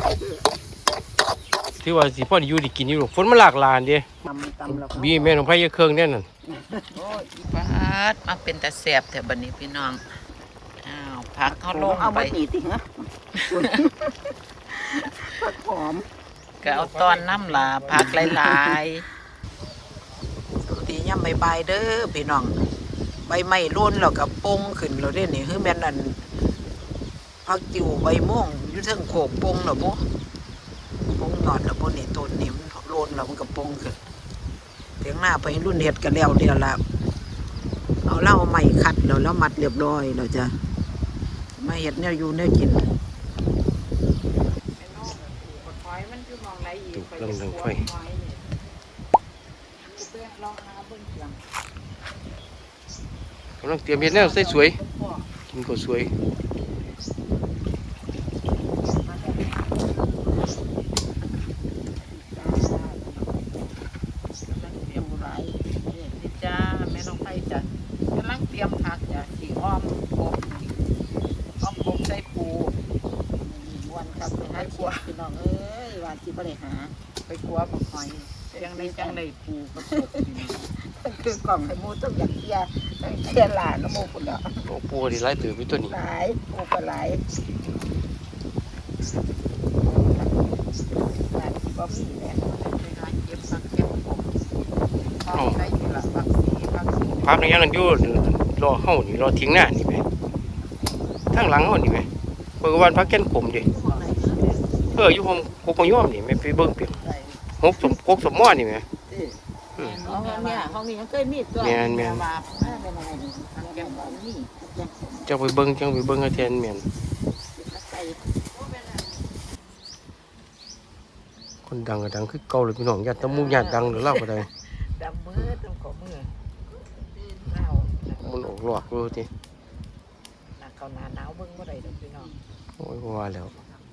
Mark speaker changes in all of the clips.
Speaker 1: ที่ว่าสิพ่ออยู่ได้กินอยู่ฝนมันหลากหลายเด้บีแม่น้องไผยะเครื่องแน่นั่น
Speaker 2: ปาดมาเป็นตาแสบแถวบัดนี้พี่น้องอ้าวพักเขาลงไป
Speaker 3: เอาบ่ตีติฮะผักหอม
Speaker 2: ก็เอาตอนน้ำลาพักหลายๆสวัสดีย่ำใบเด้อพี่น้องใบไม้ร่นแล้วก็ปงขึ้นแล้วเด้นี่คือแม่นอันพักจิ๋วใบม่วงอยู่เทิงโขกปงแล้วบ่ปงยอดแล้วบ่นี่ต้นนี่มันโลนแล้วมันก็ปงขึ้นเถียงหน้าไปรุ่นเฮ็ดกันแล้วเดียวละเอาเหล้าใหม่คัดแล้วมัดเรียบร้อยแล้วจ้ะมาเฮ็ดแนวอยู่แนวกิน
Speaker 1: ตุกเรื่องดังไฟกำลังเตรียมเฮ็ดแนวสวยๆกินก็สวย
Speaker 2: จ้าแม่น้องไผ่จ้ะกำลังเตรียมผักจ้ะสีอ้อมกบใส่ปูวันครับไปหาขัวพี่น้องเอ้ยว่าสิบ่ได้หาไปขัวบักหอยจังได้ปูกับกบพี่น้องคือกล่องให้หมูต้องอยากเคี่ยหลานน้ำมูกพุ่นเนาะ
Speaker 1: โอ้ปูนี่หลายตื่นอยู่ตัวนี้
Speaker 2: หลายปูก็หลายหลายบ่มีแม่ไปหาเก็บผักเก็บกบเอาใส่อยู่ละผักสี
Speaker 1: พักในยังนั้นอยู่รอเฮานี่รอทิ้งหน้านี่แหมทางหลังเฮานี่แหมเปิดวันพักแก่นขมดิอยู่ห้องกกย่อมนี่แม่ไปเบิ่งเปียงหกสมม้อนี่แหม
Speaker 2: ห้องนี้ยังเคยมีตัว
Speaker 1: แม่นจังไปเบิ่งให้แทนแม่นคนดังก็ดังคือเก่าเลยพี่น้องญาติตะมูญาติดังหรือเล่าก็ได้
Speaker 2: ดำมือต้องขอมือเล่า
Speaker 1: มันออกหลอกดูที
Speaker 2: นักเขาหนาวเบิ่งบ่ได้ดอกพี่น้อง
Speaker 1: โอ้ยว่าแล้ว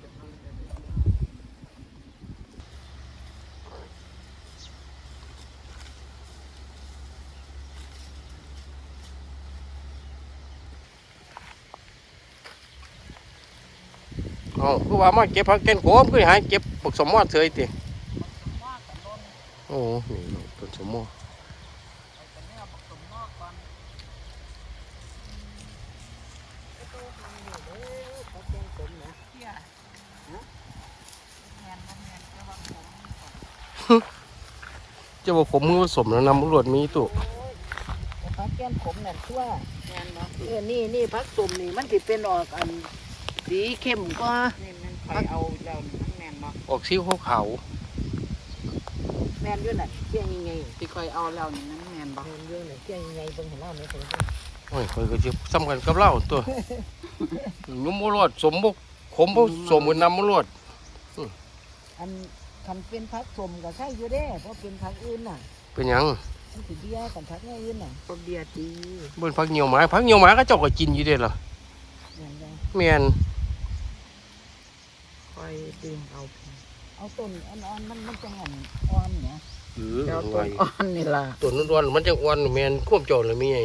Speaker 1: คือว่ามาเก็บผักแกนโขมคือหาเก็บปักสมมอเฉยติโอ้นี่ต้นสมมอจะบอกผมมือผสมแล้วนำรวดมีตุ
Speaker 2: ผักแกนขมนั่นชั่วนี่ผักตุ่มนี่มันสิเป็นออกอันสีเข้มกว่าผักเอาแล้วนั่นแม่นบ่
Speaker 1: ออกสีขาว
Speaker 2: แม่นอยู่น่ะเที่ยงยังไงที่ค่อยเอาแล้วนี่นั่นแม่นบ่แม่นอยู่น่ะเที่ยงยังไงเบิ่งให้เราแม่นเพิ่น
Speaker 1: โอ้ยค่อยก็สิซ้ำกันกับเราตัวนุ่มบ่รอดสมบ่ขมบ่สมกันนำบ่รอด
Speaker 2: อันคันเป็นผักสมก็ใช่อยู่เด้เพราะเป็นผักอื่นน่ะ
Speaker 1: เป็นหยัง
Speaker 2: มันสิเบียกันผักอื่นน่ะก็เบียดี
Speaker 1: เบิ่นผักเหนียวหมาก็เจ้าก็กินอยู่เด้ล่ะแม่น
Speaker 2: คอยดึงเอาต้นอ่อนมันจังอ่อนเนี่ยเอาต้นอ่อนนี่ล่ะ
Speaker 1: ต้นอ่อนมันจังอ่อนแม่นควบเจ้าเลยมีไง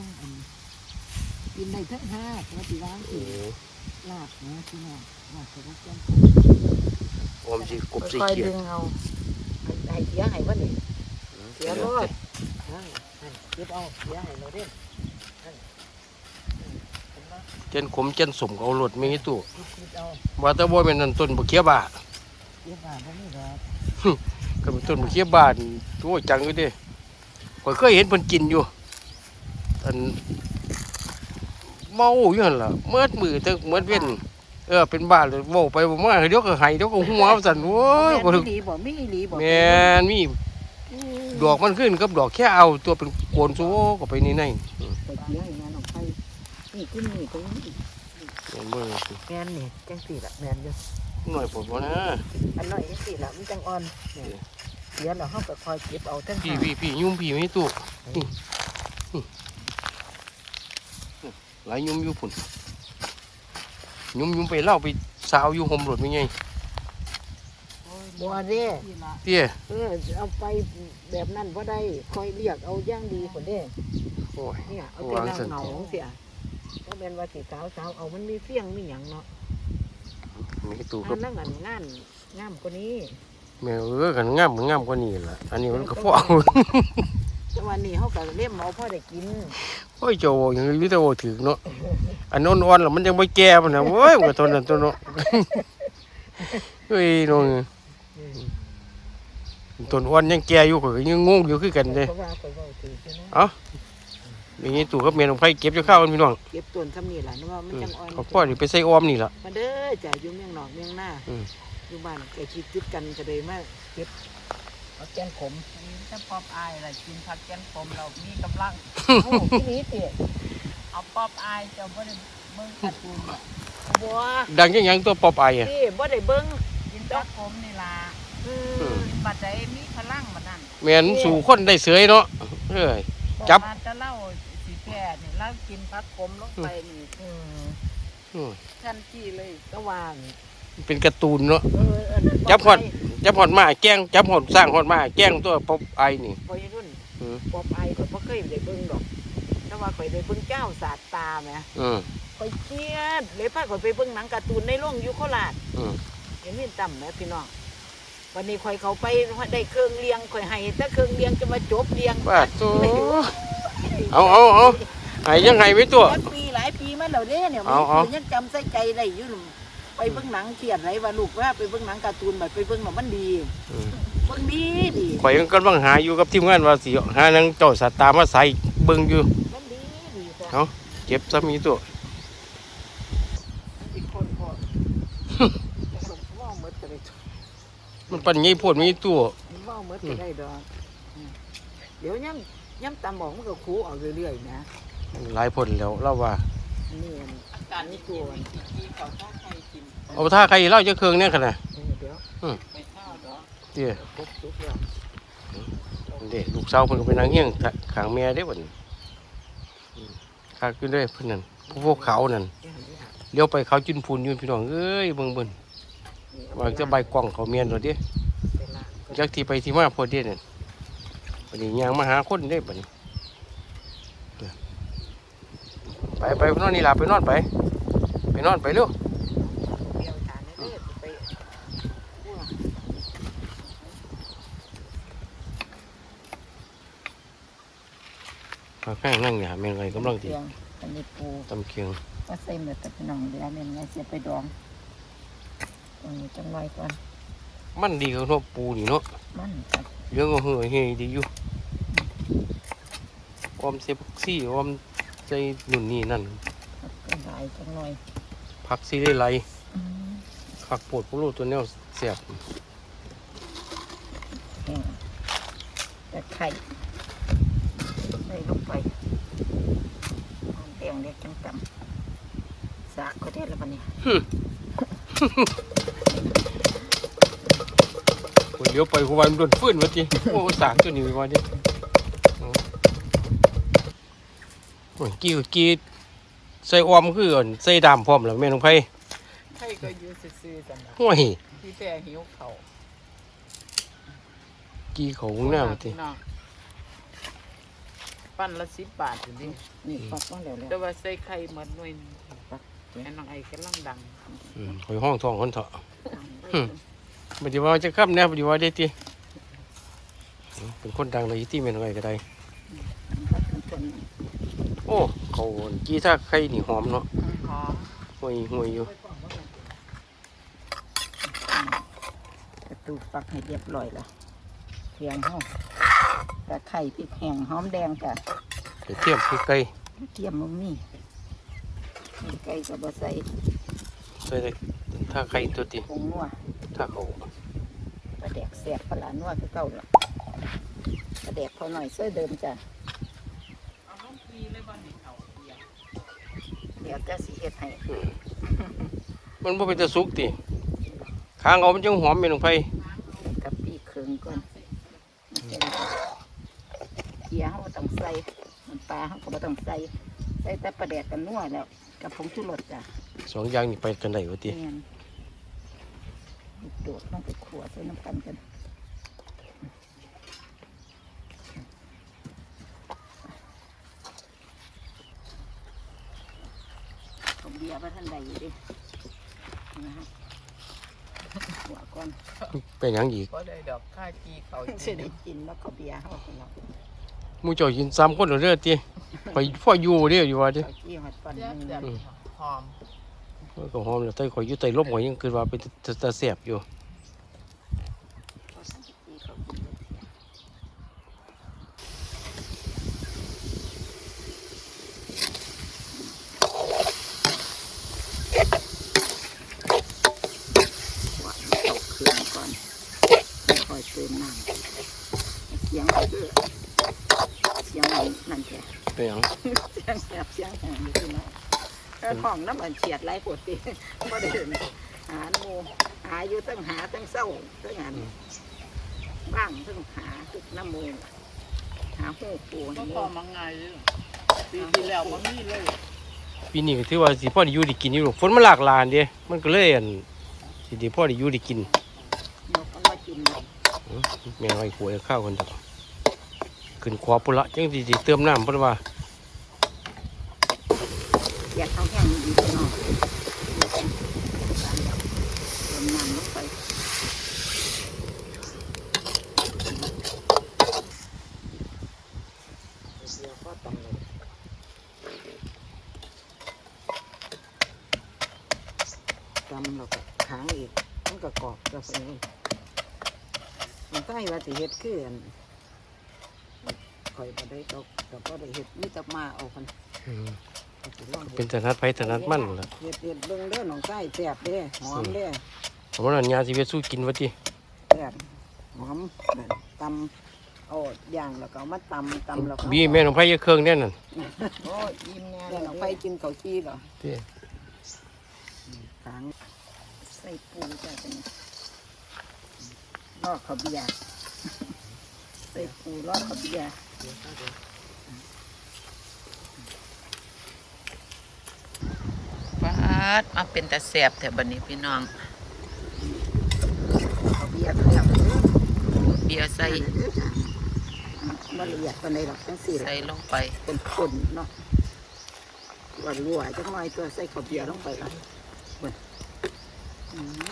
Speaker 2: กินได้ทั้งห้าแล้วสิล้างสิลากนะพี่น้องลากกับแกง
Speaker 1: ออมสิกบสิ
Speaker 2: เกียร์เอาให้เสียให้บ่นี่เสียรอดเก็บเอาเสียให้เราเด้
Speaker 1: เจนขมเจนสมเอาหลดมีตู้ว่าแต่บ่แม่นนั่นต้นบักเขียบา
Speaker 2: บ่มีดอก
Speaker 1: ก็เป็นต้นบักเขียบาโอ้จังอยู่เด้ข้อยเคยเห็นเพิ่นกินอยู่อันเมาอยู่หั่นล่ะเมื่อมือตึกเมื่อเว้นเป็นบ้าเลยเว้าไปบ่มาเดี๋ยวก็ให้เดี๋ยวก็หัวสั่นโอ้ย
Speaker 2: บ่ดีบ่มีอีหลีบ่
Speaker 1: แม่นมีดอกมันขึ้นกับดอกแค่เอาตัวเป็นโกนโซก็ไปนี่ใน
Speaker 2: ไปเสียให้งานออกไปนี่ขึ้นนี่ตรงนี้แม่นนี่จังสี่ละแม่นอยู่
Speaker 1: หน่อยผมนะ
Speaker 2: อันน้อยจังสี่ละมันจังอ่อนเสียแล้วเฮาก็คอยเก็บเอาทั้ง
Speaker 1: พี่ยุ่มพี่ไม่ตู้นี่หลายยุ่มอยู่พุ่นยุ่มไปเล่าไปสาวอยู่ห่มรถมีไง
Speaker 2: บัวเด้
Speaker 1: เตี้ย
Speaker 2: เอาไปแบบนั้นบ่ได้คอยเรียกเอาย่างดีคนเด้
Speaker 1: โอ้ย
Speaker 2: เนี่ยเอาแต่นางเหงาเสียก็เป็นว่าสีสาวเอามันมีเฟี้ยงมีหยังเนาะ
Speaker 1: มีตู้
Speaker 2: อั
Speaker 1: กับ
Speaker 2: นนั้นงามกว่านี้
Speaker 1: แม่กันงามกว่านี้ล่ะอันนี้มันก็พอ
Speaker 2: แต่วันนี้เขาก็เลี้ยงเอาพ่อได้กิน
Speaker 1: โอ้ยโจยังวิตาโอถึงเนาะอันอ่อนๆแล้วมันยังไม่แก่มันนะโอ้ยมันก็ทนนั่นตัวเนาะเฮ้ยน้องต้นอ่อนยังแก่อยู่ก็ยังงงอยู่คือกันเด้
Speaker 2: เพราะว่าข่อยเว้าถือใช่ไหม
Speaker 1: เอ้าอย่างนี้ตู้กับเมียน้องไผเก็บจะข้าวกันพี่น้อง
Speaker 2: เก็บต้นซ้ำนี่ล่ะนึกว่ามันจังอ่อน
Speaker 1: เขาพ่อนี่ไปใส่ออมนี่ล่ะ
Speaker 2: มาเด้อจ้ะอยู่เมืองนอกเมืองหน้า
Speaker 1: อืม
Speaker 2: อยู่บ้านใกล้ชิดติดกันก็เลยมาเก็บเอาแกงขมถ้าป๊อบอายล่ะกินผักแกงขมเรามีกำลังโอ้ที่นี้ติเอาป๊อบอายเจ้าบ่ได้เบิ่งการ์ตูนบ่บัว
Speaker 1: ดังยังยังตัวปอบไออ่ะ
Speaker 2: นี่บ่ได้เบิ่ง
Speaker 3: กินผักขมนี่ล่ะบัดใดมีพลังบัดนั้น
Speaker 1: แม่นสู่คนได้เสยเนาะเอ้ย จับ
Speaker 3: อกว่าจะเล่าสิแก่นี่เล่ากินผักขมลงไปนี่
Speaker 1: อืม
Speaker 3: ทันทีเลย
Speaker 2: ก็วาง
Speaker 1: เป็นการ์ตูนเนาะ
Speaker 2: อันนั้น
Speaker 1: จับฮอด จับหอดมาแกล้งจับหอดสร้างหอดมาแกล้งตัวปอบไอนี่
Speaker 2: พอยรุ่น
Speaker 1: อืม
Speaker 2: ป๊อบอายข่อยบ่เคยได้เบิ่งดอกแต่ว่าข่อยได้เบิ่งเจ้าสาดตาแหม
Speaker 1: อืม
Speaker 2: ข่อยเครียดเลยพาข่อยไปเบิ่งหนังการ์ตูนในโรงอยู่โคราช
Speaker 1: อืม
Speaker 2: เห็นมีต่ำแหมพี่น้องวันนี้ข่อยเขาไปได้เครื่องเลี้ยงข่อยให้แต่เครื่องเลี้ยงจะมาจบเลี้ยง
Speaker 1: ว่าตัวเอาไห้ยังไงไว้ตัว
Speaker 2: หลายปีมาแล้วเด้เนี่ย
Speaker 1: เอา
Speaker 2: มันยังจำใส่ใจได้อยู่นั่นไปเบิ่งหนังเครียดไรว่าลูกว่าไปเบิ่งหนังการ์ตูนแบบไปเบิ่งหนังมันดี
Speaker 1: อืม
Speaker 2: เบิ่งดีดี
Speaker 1: ข่อยกำลังหาอยู่กับทีมงานว่าสิหานังเจ้าสัตว์ตามาใส่เบิ่งอยู่
Speaker 2: มันดีดีจ้ะ
Speaker 1: เอาเก็บซะมีตัว
Speaker 2: อีกคนพอว่าหมดก็ได้
Speaker 1: มันปันงี้โพดมีตัว
Speaker 2: ว่าหมดก็ได้ดอกเดี๋ยวย่ำตามบอกมันก็คูออกเรื่อยๆนะ
Speaker 1: หลายผลแล้วเล่าว่า
Speaker 2: นี่อัน
Speaker 3: อากาศนี่ตัวที่เขาถ้าใครกิน
Speaker 1: เอาถ้าใครเล่าจะเครื่องเนี่ยขนาด
Speaker 2: เดี๋ยว
Speaker 3: ไปข้าวดอก
Speaker 1: เดี๋ยว
Speaker 2: ครบทุกแล้ว
Speaker 1: เด็กลูกสาวเพิ่นก็ไปนั่งเฮียงขางแม่ได้อบัดนี้คักอยู่เด้อเพิ่นนั่นพวกเขานั่นเลี้ยวไปเขาจุนพูนอยู่พี่น้องเอ้ยเบิ่งวางจะใบกล้องเขาเมียนโดดเด้จักที่ไปที่มาพอเด้นั่นบัดนี้ย่างมาหาคนเด้บัดนี้ไปนอนนี่ล่ะไปนอนไปนอนไปเร็ว
Speaker 2: เดี๋ยวทานได้เลยไป
Speaker 1: ข้างนั่งหยาแม่งไงกำลัง
Speaker 3: เตี
Speaker 1: ดี
Speaker 3: ยงอันนี้ปู
Speaker 1: ตำเคียง
Speaker 3: ก็ใส่หมดแต่พี่น้องเดี๋ยวแม่นไงเสียไปดองตรงนี้จังไว้ก่อน
Speaker 1: มันดีกับเนาะปูนี่เนาะ
Speaker 3: มันครับ
Speaker 1: เรื่องก็เฮ้ยเฮ้ยดีอยู่ออมเซฟซี่ออมใจนุ่นนี่นั่น
Speaker 3: ก็หลายจังหน่อย
Speaker 1: ผักซีได้ไรผักโปวดพวกลูกตัวเนี้ยเสียบ
Speaker 3: แห้งแต่ไข่ใส่ลงไปหอมแดงเล็กจังตำสากก็ได้แล้วปะเนี่ย
Speaker 1: คนเลี้ยวไปหัวมันโดนฟื้นวะจีโอ้สากตัวนี้วะจีโอ้ยกี้ใส่ออมคืออ่อนใส่ดำพร้อมแล้วแม่น้องไผ่
Speaker 2: ใครก็อยู่ซื่อๆจังนะ
Speaker 1: โอ้ย
Speaker 2: พี่แต่หิวเขา
Speaker 1: กี้เขาหน้าวะจี
Speaker 2: ปั้นละ10 บาทอยู่ดิ
Speaker 3: นี่ปักมาแล้ว
Speaker 2: แต่ว่าใส่ไข่หมดหน่วยหนึ่งไอ้น้องไอ้กำลังดัง
Speaker 1: คอยห้องทองคนเถาะปฏิวัติจะข้ามเนี่ยปฏิวัติได้ตีเป็นคนดังเลยที่แม่น้องไผ่ก็ได้โอ้เขากี้ถ้าใครนี่หอมเนาะ
Speaker 2: หอม
Speaker 1: ห่วยอยู่
Speaker 3: ประตูปักให้เรียบร้อยแล้วเคียงห้องแต่ไข่พริกแห้งหอมแดงจ้ะ
Speaker 1: เดี๋ยวเทียมคือไก่
Speaker 3: เทียมมึงนี่ไก่กับบะใส่
Speaker 1: ใส่เลยถ้าไข่ตัวตี
Speaker 3: ผงนัว
Speaker 1: ถ้าเขา
Speaker 3: ปลาแดกแสบปลาหลานนัวคือเก่าละปลาแดกพอหน่อยเสื้อเดิมจ้ะ
Speaker 2: เอาน้องปีเลยบ้านนี้เขาเดียว
Speaker 3: เดี๋ยวจะสิเฮ็ดให้
Speaker 1: มันบ่เป็นตะสุกติข้างเอามันจังหอมแม่นลงไป
Speaker 3: กับปีเครื่องก่อนเกี๊ยวต้องใส่น้ำปลาเขาก็บ่ต้องใส่ใส่แต่ปลาแดกกันนัวแล้วกับผงชูรสจ้ะ
Speaker 1: สองอย่างนี่ไปกันได้บ่ติ
Speaker 3: แม่นโดดลงไปขัวใส่น้ำกันกันผมเบียร์ว่าท่านใดอยู่ดินะฮะก่อน
Speaker 1: เป็นหยังอีก
Speaker 2: ก็ได้ดอกค่าจีเขา
Speaker 3: สิได้กินแล้วก็เบียร์เฮาพี่น้อง
Speaker 1: หมู่เจ้ากิน3คนเด้อติข่อยพ่ออยู่เด้ออยู่ว่าติ
Speaker 3: เอากี้ฮอดก่อน
Speaker 2: เสียบ
Speaker 3: นึง
Speaker 2: เสียบหอม
Speaker 1: ก็หอมแล้วแต่ข่อยอยู่ใต้ร่มข่อยยังคิดว่าเป็นตาแซ่บอยู่
Speaker 3: เอาสักกี้เขากินเลยว่าเอาเครื่องก่อนค่อยเติมน้ำเสียงคือเสียงนั่นแค่
Speaker 1: เป็นหยัง
Speaker 3: เสียงแสบเสียงแหงอยู่ที่นั่นห้องน้ำมันเฉียดไรปวดตีบ่ได้หาหมูหาอยู่ตั้งหาตั้งเศร้าตั้งงานบ้างตั้งหาตึกน้ำมูหาหูปู
Speaker 2: ก็
Speaker 3: นี่
Speaker 2: พอมังไงปีที่แล้วมันมีเลย
Speaker 1: ปีนี้ก็ถือว่าสิพ่อได้อยู่ได้กินอยู่หรอกฝนมันหลากหลายเด้มันก็เลยอั่นสิได้พ่อได้อยู่ได้กิน
Speaker 3: นกมันมากินเลย
Speaker 1: แม่ไว้ขวยข้าวกันดอกขึ้นขวาพุ่นละจังสิเติมน้ำเพิ่นว่า
Speaker 3: อยากเอาแห้งดีไปหน่อยเติมน้ำลงไปเดี๋ยวก็ตำเลยตำแล้วก็ค้างอีกมันก็กรอบก็ไปเลยมันใต้ว่าสิเฮ็ดคืออันข่อยบ่ได้ดอกแต่ก็ได้เฮ็ดมีแต่มาเอากัน สิลอง
Speaker 1: เป็นถนัดไผถนัดมันล่ะ
Speaker 3: เฮ็ดเบิ่งเด้อน้องไส้แซ่บเด้หอมเด้
Speaker 1: เพราะว่านั้นยาสิเฮ็ดสู้กินว่าติ
Speaker 3: แซ่บหอมนั่นตำเอาย่างแล้วก็เอามาตำแล้วก็
Speaker 1: บีแม่ของไผอย่าเครื่องแน่นั่น
Speaker 2: โอ้ยอิ่มแน่
Speaker 3: แล้วน้องไปกินข้าวจี้เหรอ
Speaker 1: ติ
Speaker 3: ทางใส่ปูจ้ะจังลอกข้าวเบียร์ใส่ปูลอกข้าวเบียร์
Speaker 2: ฟาดมาเป็นตาแสบแถวบันนี้พี่น้อง
Speaker 3: ข้าวเบียร์เครื่องเด้อ
Speaker 2: เบียร์ใส่
Speaker 3: บ่ละเอียดปานใดหรอกจังซี่
Speaker 2: ใส่ลงไป
Speaker 3: เป็นคนเนาะว่ารัวจังหน่อยตัวใส่ข้าวเบียร์ลงไปละเบิ่งอืม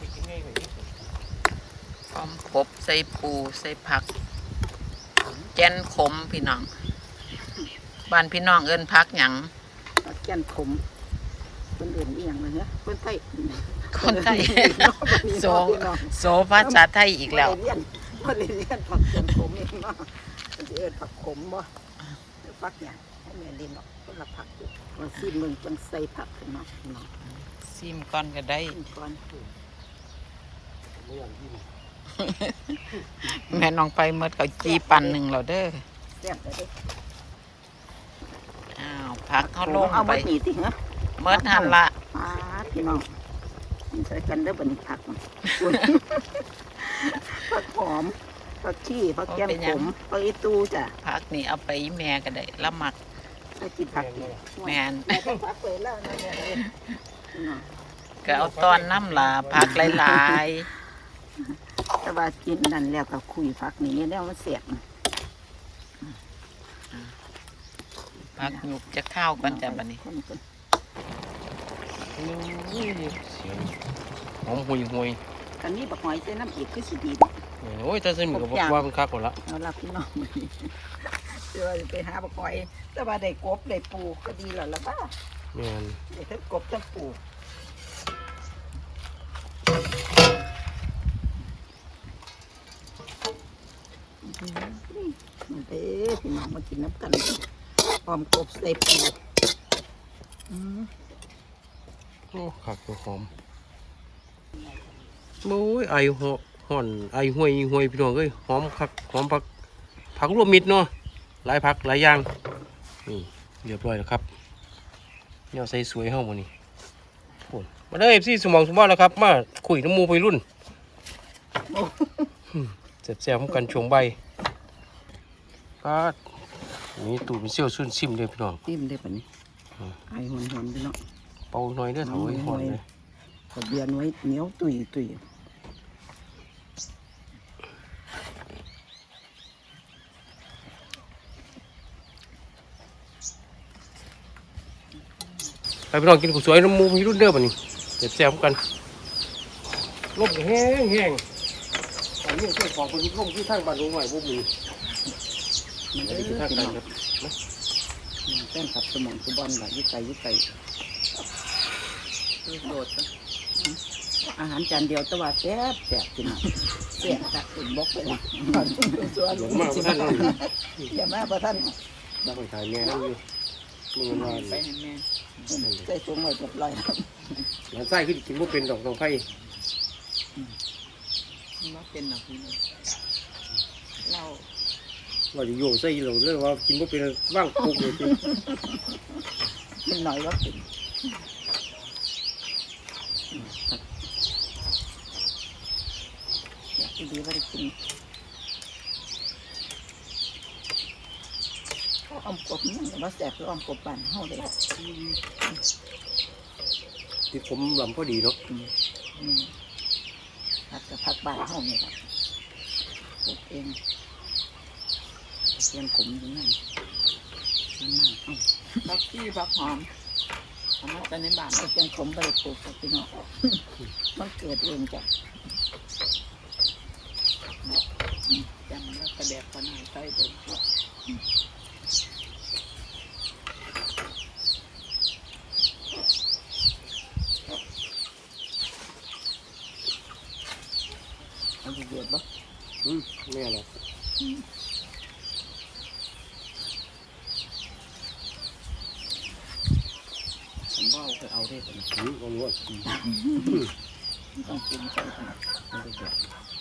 Speaker 2: พร้อมครบใส่ปูใส่ผักแกนขมพี่น้องบ้านพี่น้องเอิ้นผักหยัง
Speaker 3: ปลาแก่นขมคนอื่นอีหยังเลยเนี่ยคนไทย
Speaker 2: คนไทย โซ
Speaker 3: เนาะ
Speaker 2: โซภาษาไทยอีกแล้ว
Speaker 3: คนเรียนผักแก่นขมเองเนาะมันจะเอิ้นผักขมบ่หรือผักหยังให้แม่เรียนเนาะคนละผักอยู่ว่าซีมึงจังใส่ผักขึ้นเนาะเนาะ
Speaker 2: ซิมก่อนก็ได้
Speaker 3: กินก่อน
Speaker 2: แม่น้องไปเมื่อเขาจีปั่นหนึ่งแล้วเด้อ
Speaker 3: แซ่บเลยเด้
Speaker 2: อ้าวผักเขาลง
Speaker 3: เอา
Speaker 2: ไป
Speaker 3: มาหนีติเหรอ
Speaker 2: เมื่อทันละ
Speaker 3: อ่าพี่น้องมันใส่กันเด้อบัดนี้ผักมันอุ๊ยผักหอมผักชีผักแก้มขมผักอีตูจ้ะ
Speaker 2: ผักนี่เอาไปแม่ก็ได้ละหมัก
Speaker 3: ถ้ากินผักดี
Speaker 2: แม่น
Speaker 3: แม่ต้องผักเปิดแล้วนะเนี่ยเนาะ
Speaker 2: ก็เอาตอนน้ำลาผักหลาย
Speaker 3: แต่ว่ากินนั่นแล้วก็คุยผักนี่แล้วมันเสียบ
Speaker 2: ๆผักหยุกจะข้าวกันจ้ะบัดนี้
Speaker 3: คน
Speaker 1: หอมหุย
Speaker 3: อันนี้บักหอยใส่น้ำอีกคือสิดี
Speaker 1: โอ้ยแต่ซึ่งก็บอกว่ามันคักหมดละ
Speaker 3: เอาล่ะพี่น้องมื้อนี้เดี๋ยวจะไปหาบักหอยแต่ว่าได้กบได้ปูก็ดีแล้วล่ะบ้า
Speaker 1: แม่น
Speaker 3: ได้ทั้งกบทั้งปูเด้อพี่น้องมากินน้ำกันพร้อมกบใส่ปู
Speaker 1: โอ้คักหอมโอ้ยไอห่อนไอห่วยพี่น้องเอ้ยหอมคักหอมผักรวมมิตรเนาะหลายผักหลายอย่างนี่เรียบร้อยแล้วครับเนี่ยใส่สวยเฮ้ามานี่โอ้มาได้FCสมองสมบัติแล้วครับมาคุยน้ำมูไปรุ่นแซ่บๆกันช่วงใบก็นี่ตูดเป็นเซี่ยวซุ่นซิมเลยพี่น้อง
Speaker 3: จิ้มได้ปะนี่ไอหอนๆไปเนาะ
Speaker 1: เป่าหน่อยเด้อเถอยหอนเลย
Speaker 3: ขเบียนไว้เหนียวตุย
Speaker 1: ไปพี่น้องกินข้าวสวยน้ำมูพี่รุ่นเด้อป่ะนี่แซ่บๆกันลมแห้งแห้งอันนี้ช่วยของคนลมที่ทางบ้านหลวงหน่อยบ่มี
Speaker 3: มัน
Speaker 1: อัน
Speaker 3: เด้
Speaker 1: นี้คือ
Speaker 3: อ
Speaker 1: ทาง
Speaker 3: พี่
Speaker 1: การ
Speaker 3: น้อง
Speaker 1: ครับ
Speaker 3: แป้งขับสมองสุบอลล่ะยึดไก่โดดอาหารจานเดียวแต่ว่าแซ่บพี่น้องแซ่บตักอุ่นบกไปละส่วน
Speaker 1: หลงมากท่าน
Speaker 3: อย่ามาบ่ท่าน
Speaker 1: ได้ไปถ่ายแม่นั่งอยู่มึงว่า
Speaker 3: ไปให้แม่ใส่ถุงไว้เรียบร้อย
Speaker 1: หลานไส้ขึ้นกินบ่เป็นดอกน้องไผ่
Speaker 3: ว่าเป็นหนักพี่น้องเรา
Speaker 1: ว่าจะโยใส่เราเลยว่ากินบ่เป็นว่างปุ๊บเลยสิ
Speaker 3: เป็นหน่อยว่าเป็นอยากดีว่าได้กินอ้อมกบนี่ว่าแสบคืออ้อมกบบ้านเฮาเลย
Speaker 1: ที่ผมลำพอดีเนาะ
Speaker 3: ผักกับผักบ้านเฮานี่ครับปลูกเองเตรียมขมอยู่นั่นนั่นมากผักชีผักหอมเอามาแต่ในบ้านเตรียมขมไปปลูกกับพี่น้องมันเกิดเองจ้ะจำแล้วกระแดกขนาดใส่เดิมเอาไปเดือดบ่
Speaker 1: แม่แหละ
Speaker 3: ผมว่าเอาไปเอาได้แต่
Speaker 1: เอาล้วน
Speaker 3: ต้องกินใส่กันไม่ได้เดือด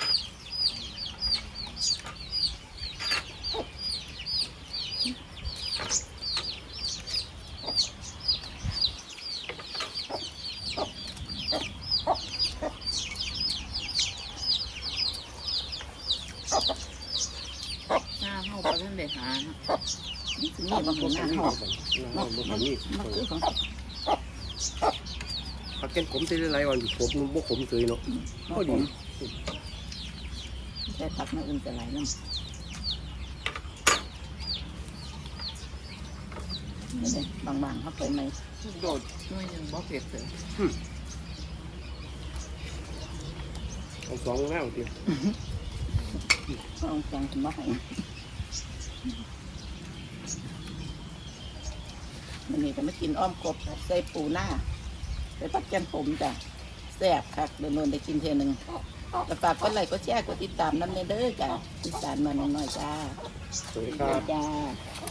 Speaker 3: หน้าเฮาก็ท่านได้หาเนาะนี่คือบางคนหน้าเฮา
Speaker 1: บ่มี
Speaker 3: มันคือของ
Speaker 1: ผักแก้มขมใส่หลายวันผมบ่ขมเลยเนาะพอดี
Speaker 3: ใช้ผักมาอื่นแต่หลายน้ำนี่เลยบางๆเขาไปไหมโดดไม่ยังบ่เผ็ดเลย
Speaker 1: เอาสองแล้วติ
Speaker 3: ต้องจังมาให้มันนี่ก็มากินอ้อมกบใส่ปูหน้าใส่ผักแกงผมจ้ะแซ่บคักเดินโนนได้กินเทนึงก็ฝากกดไลค์กดแชร์กดติดตามน้ำเนเด้อจ้ะติดตามมาหน่อยๆจ้า
Speaker 1: สวัสดีครับ
Speaker 3: จ้า